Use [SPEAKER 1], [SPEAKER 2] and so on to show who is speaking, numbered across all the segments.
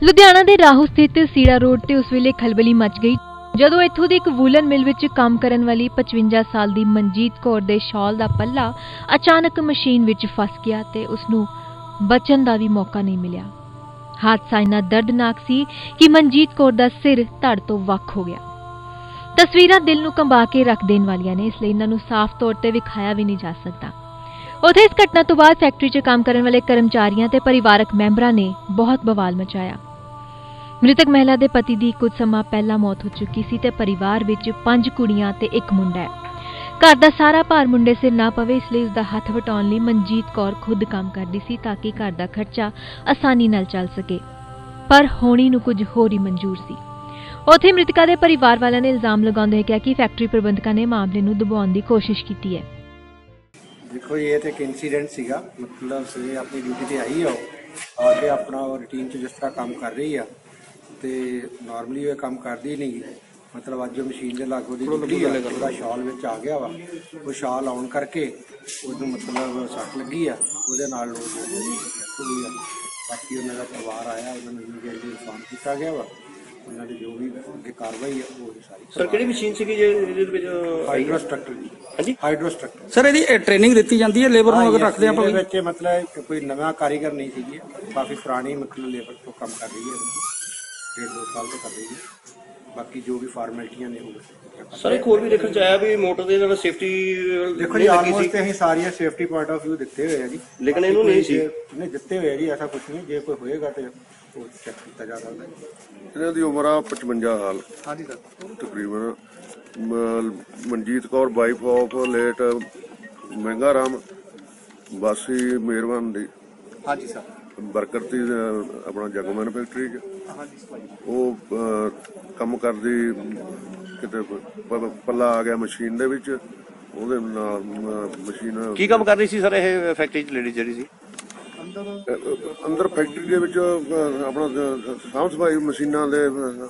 [SPEAKER 1] ਲੁਧਿਆਣਾ ਦੇ ਰਾਹੂ ਸਥਿਤ ਸੀੜਾ ਰੋਡ ਤੇ ਉਸ ਵੇਲੇ ਖਲਬਲੀ ਮਚ ਗਈ ਜਦੋਂ ਇੱਥੋਂ ਦੀ ਇੱਕ ਵੂਲਨ ਮਿਲ ਵਿੱਚ ਕੰਮ ਕਰਨ ਵਾਲੀ 55 ਸਾਲ ਦੀ ਮਨਜੀਤ ਕੌਰ ਦੇ ਸ਼ਾਲ ਦਾ ਪੱਲਾ ਅਚਾਨਕ ਮਸ਼ੀਨ ਵਿੱਚ ਫਸ ਗਿਆ ਤੇ ਉਸ ਨੂੰ ਬਚਣ ਦਾ ਵੀ ਮੌਕਾ ਨਹੀਂ ਮਿਲਿਆ। ਹਾਦਸਾ ਇੰਨਾ ਦਰਦਨਾਕ ਸੀ ਕਿ ਮਨਜੀਤ ਕੌਰ ਦਾ ਸਿਰ ਧੜ ਤੋਂ ਵੱਖ ਹੋ ਗਿਆ। ਤਸਵੀਰਾਂ ਦਿਲ ਨੂੰ ਕੰਬਾ ਕੇ ਰੱਖ ਦੇਣ ਵਾਲੀਆਂ ਨੇ, ਇਸ ਲਈ ਇਹਨਾਂ ਨੂੰ ਸਾਫ਼ ਤੌਰ ਤੇ ਵਿਖਾਇਆ ਵੀ ਨਹੀਂ ਜਾ ਸਕਦਾ। ਉੱਥੇ ਇਸ ਘਟਨਾ ਤੋਂ ਬਾਅਦ ਫੈਕਟਰੀ 'ਚ ਕੰਮ ਕਰਨ ਵਾਲੇ ਕਰਮਚਾਰੀਆਂ ਤੇ ਪਰਿਵਾਰਕ ਮੈਂਬਰਾਂ ਨੇ ਬਹੁਤ ਬਵਾਲ ਮਚਾਇਆ। ਮ੍ਰਿਤਕ ਮਹਿਲਾ ਦੇ ਪਤੀ ਦੀ ਕੁਝ ਸਮਾਂ ਪਹਿਲਾਂ ਮੌਤ ਹੋ ਚੁੱਕੀ ਸੀ ਤੇ ਪਰਿਵਾਰ ਵਿੱਚ 5 ਕੁੜੀਆਂ ਤੇ 1 ਮੁੰਡਾ ਹੈ। ਘਰ ਦਾ ਸਾਰਾ ਭਾਰ ਮੁੰਡੇ ਸਿਰ ਨਾ ਪਵੇ, ਇਸ ਲਈ ਉਸ ਦਾ ਹੱਥ ਵਟਾਉਣ ਲਈ ਮਨਜੀਤ ਕੌਰ ਖੁਦ ਕੰਮ ਕਰਦੀ ਸੀ ਤਾਂ ਕਿ ਘਰ ਦਾ ਖਰਚਾ ਆਸਾਨੀ ਨਾਲ ਚੱਲ ਸਕੇ, ਪਰ ਹੋਣੀ ਨੂੰ ਕੁਝ ਹੋਰ ਹੀ ਮਨਜ਼ੂਰ ਸੀ। ਉੱਥੇ ਮ੍ਰਿਤਕਾ ਦੇ ਪਰਿਵਾਰ ਵਾਲਿਆਂ ਨੇ ਇਲਜ਼ਾਮ ਲਗਾਉਂਦੇ ਹੋਏ ਕਿਹਾ ਕਿ ਫੈਕਟਰੀ ਪ੍ਰਬੰਧਕਾਂ ਨੇ ਮਾਮਲੇ ਨੂੰ ਦਬਾਉਣ ਦੀ ਕੋਸ਼ਿਸ਼ ਕੀਤੀ ਹੈ।
[SPEAKER 2] देखो ये तो एक इंसीडेंट सीगा, मतलब सवेरे अपनी ड्यूटी ते आई है आके अपना रूटीन च जिस तरह काम कर रही है तो नॉर्मली ये काम करती नहीं, मतलब अज जो मशीन के लागू निकली है पूरा शाल में आ गया वा, वो शाल आउन करके उन्होंने मतलब सट लगी है वो बाकी उन्होंने परिवार आया उन्होंने इन्फॉर्म किया गया वा, उन्होंने जो भी अगे कार्रवाई है वो सारी।
[SPEAKER 3] सर किहड़ी मशीन सी
[SPEAKER 2] हाइड्रोस्ट्रक्टर जी। हाँ जी हाइड्रोस्ट्रक्टर।
[SPEAKER 4] सर यदि ट्रेनिंग दी जाती है लेबर को अगर रखते हैं
[SPEAKER 2] बच्चे, मतलब कोई नवा कारीगर नहीं थी, काफी पुरानी मतलब लेबर तो काम कर रही है, 1.5-2 साल तो कर रही है, बाकी जो भी फॉर्मेलिटियां ने वो
[SPEAKER 3] सर एक और भी देखने च आया भी मोटर दे नाल सेफ्टी
[SPEAKER 2] देखो जी ऑलमोस्ट ਅਸੀਂ ਸਾਰੀਆਂ ਸੇਫਟੀ ਪੁਆਇੰਟ ਆਫ व्यू ਦਿੱਤੇ ਹੋਏ ਆ ਜੀ,
[SPEAKER 3] ਲੇਕਿਨ ਇਹਨੂੰ ਨਹੀਂ ਸੀ
[SPEAKER 2] ਨਹੀਂ ਦਿੱਤੇ ਹੋਏ ਜੀ, ਐਸਾ ਕੁਝ ਨਹੀਂ, ਜੇ ਕੋਈ ਹੋਏਗਾ ਤੇ ਉਹ ਚੈੱਕ ਕੀਤਾ ਜਾ ਸਕਦਾ ਹੈ।
[SPEAKER 5] ਇਹਨਾਂ ਦੀ ਉਮਰ ਆ 55 ਸਾਲ।
[SPEAKER 2] ਹਾਂਜੀ ਸਰ।
[SPEAKER 5] ਤਕਰੀਬਨ Manjit Kaur wife of late Mehnga Ram ਵਾਸੀ ਮਿਹਰਬਾਨ ਦੀ।
[SPEAKER 2] ਹਾਂਜੀ ਸਰ।
[SPEAKER 5] ਵਰਕਰ ਸੀ ਆਪਣਾ ਜਗਮਨ ਫੈਕਟਰੀ 'ਚ।
[SPEAKER 2] ਹਾਂਜੀ।
[SPEAKER 5] ਉਹ ਕੰਮ ਕਰਦੀ ਕਿਤੇ ਪੱਲਾ ਆ ਗਿਆ ਮਸ਼ੀਨ ਦੇ ਵਿੱਚ, ਉਹਦੇ ਨਾਲ ਮਸ਼ੀਨ
[SPEAKER 3] ਕੀ ਕੰਮ ਕਰ ਰਹੀ ਸੀ ਸਰ ਇਹ ਫੈਕਟਰੀ 'ਚ ਲੇਡੀ ਜਿਹੜੀ ਸੀ?
[SPEAKER 5] ਅੰਦਰ ਫੈਕਟਰੀ ਦੇ ਵਿੱਚ ਆਪਣਾ ਸਾਫ਼ ਸਫਾਈ ਮਸ਼ੀਨਾਂ ਦੇ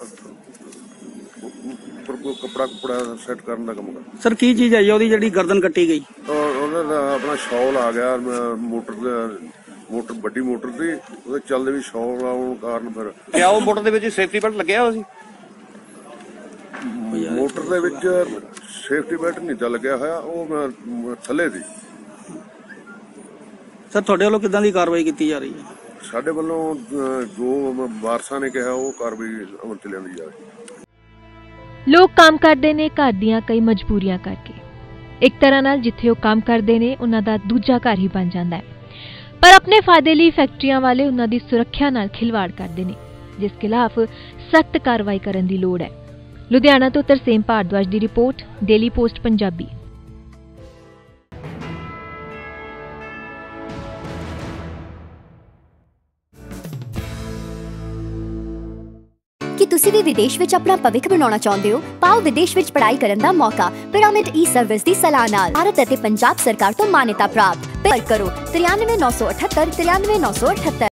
[SPEAKER 5] ਕੱਪੜਾ ਸੈੱਟ ਕਰਨ ਦਾ ਕੰਮ ਕਰਦਾ।
[SPEAKER 4] ਸਰ ਕੀ ਚੀਜ਼ ਹੈ ਉਹਦੀ ਜਿਹੜੀ ਗਰਦਨ ਕੱਟੀ ਗਈ?
[SPEAKER 5] ਉਹਨਾਂ ਦਾ ਆਪਣਾ ਸ਼ੌਲ ਆ ਗਿਆ ਮੋਟਰ ਵੱਡੀ ਮੋਟਰ ਦੀ, ਉਹਦੇ ਚੱਲਦੇ ਵੀ ਸ਼ੌਲ ਆਉਣ ਕਾਰਨ ਫਿਰ
[SPEAKER 3] ਕਿਆ ਉਹ ਮੋਟਰ ਦੇ ਵਿੱਚ ਸੇਫਟੀ ਬੈਲਟ ਲੱਗਿਆ ਹੋਇਆ ਸੀ?
[SPEAKER 5] ਮੋਟਰ ਦੇ ਵਿੱਚ ਸੇਫਟੀ ਬੈਲਟ ਨਹੀਂ ਤਾਂ ਲੱਗਿਆ ਹੋਇਆ, ਉਹ ਥੱਲੇ ਦੀ।
[SPEAKER 4] ਸਰ ਤੁਹਾਡੇ ਵੱਲੋਂ ਕਿੱਦਾਂ ਦੀ ਕਾਰਵਾਈ ਕੀਤੀ ਜਾ ਰਹੀ ਹੈ?
[SPEAKER 5] ਸਾਡੇ ਵੱਲੋਂ ਜੋ ਵਾਰਸਾਂ ਨੇ ਕਿਹਾ ਉਹ ਕਾਰਵਾਈ ਅਮਲ ਚ ਲਿਆਂਦੀ ਜਾ ਰਹੀ ਹੈ।
[SPEAKER 1] ਲੋਕ ਕੰਮ ਕਰਦੇ ਨੇ ਘਰ ਦੀਆਂ ਕਈ ਮਜਬੂਰੀਆਂ ਕਰਕੇ, ਇੱਕ ਤਰ੍ਹਾਂ ਨਾਲ ਜਿੱਥੇ ਉਹ ਕੰਮ ਕਰਦੇ ਨੇ ਉਹਨਾਂ ਦਾ ਦੂਜਾ ਘਰ ਹੀ ਬਣ ਜਾਂਦਾ ਹੈ, ਪਰ ਆਪਣੇ ਫਾਇਦੇ ਲਈ ਫੈਕਟਰੀਆਂ ਵਾਲੇ ਉਹਨਾਂ ਦੀ ਸੁਰੱਖਿਆ ਨਾਲ ਖਿਲਵਾੜ ਕਰਦੇ ਨੇ, ਜਿਸ ਖਿਲਾਫ ਸਖਤ ਕਾਰਵਾਈ ਕਰਨ ਦੀ ਲੋੜ ਹੈ। ਲੁਧਿਆਣਾ ਤੋਂ ਤਰਸੇਮ ਭਾਰਦਵਾਜ ਦੀ ਰਿਪੋਰਟ, ਡੇਲੀ ਪੋਸਟ ਪੰਜਾਬੀ।
[SPEAKER 6] ਕੀ ਤੁਸੀਂ ਵੀ ਵਿਦੇਸ਼ ਵਿੱਚ ਆਪਣਾ ਭਵਿੱਖ ਬਣਾਉਣਾ ਚਾਹੁੰਦੇ ਹੋ? ਪਾਓ ਵਿਦੇਸ਼ ਵਿੱਚ ਪੜ੍ਹਾਈ ਕਰਨ ਦਾ ਮੌਕਾ ਪਿਰਾਮਿਡ ਈ-ਸਰਵਿਸ ਦੀ ਸਲਾਹ ਨਾਲ। ਭਾਰਤ ਅਤੇ ਪੰਜਾਬ ਸਰਕਾਰ ਤੋਂ ਮਾਨਤਾ ਪ੍ਰਾਪਤ। ਪਰ ਕਰੋ 93 978 93 978।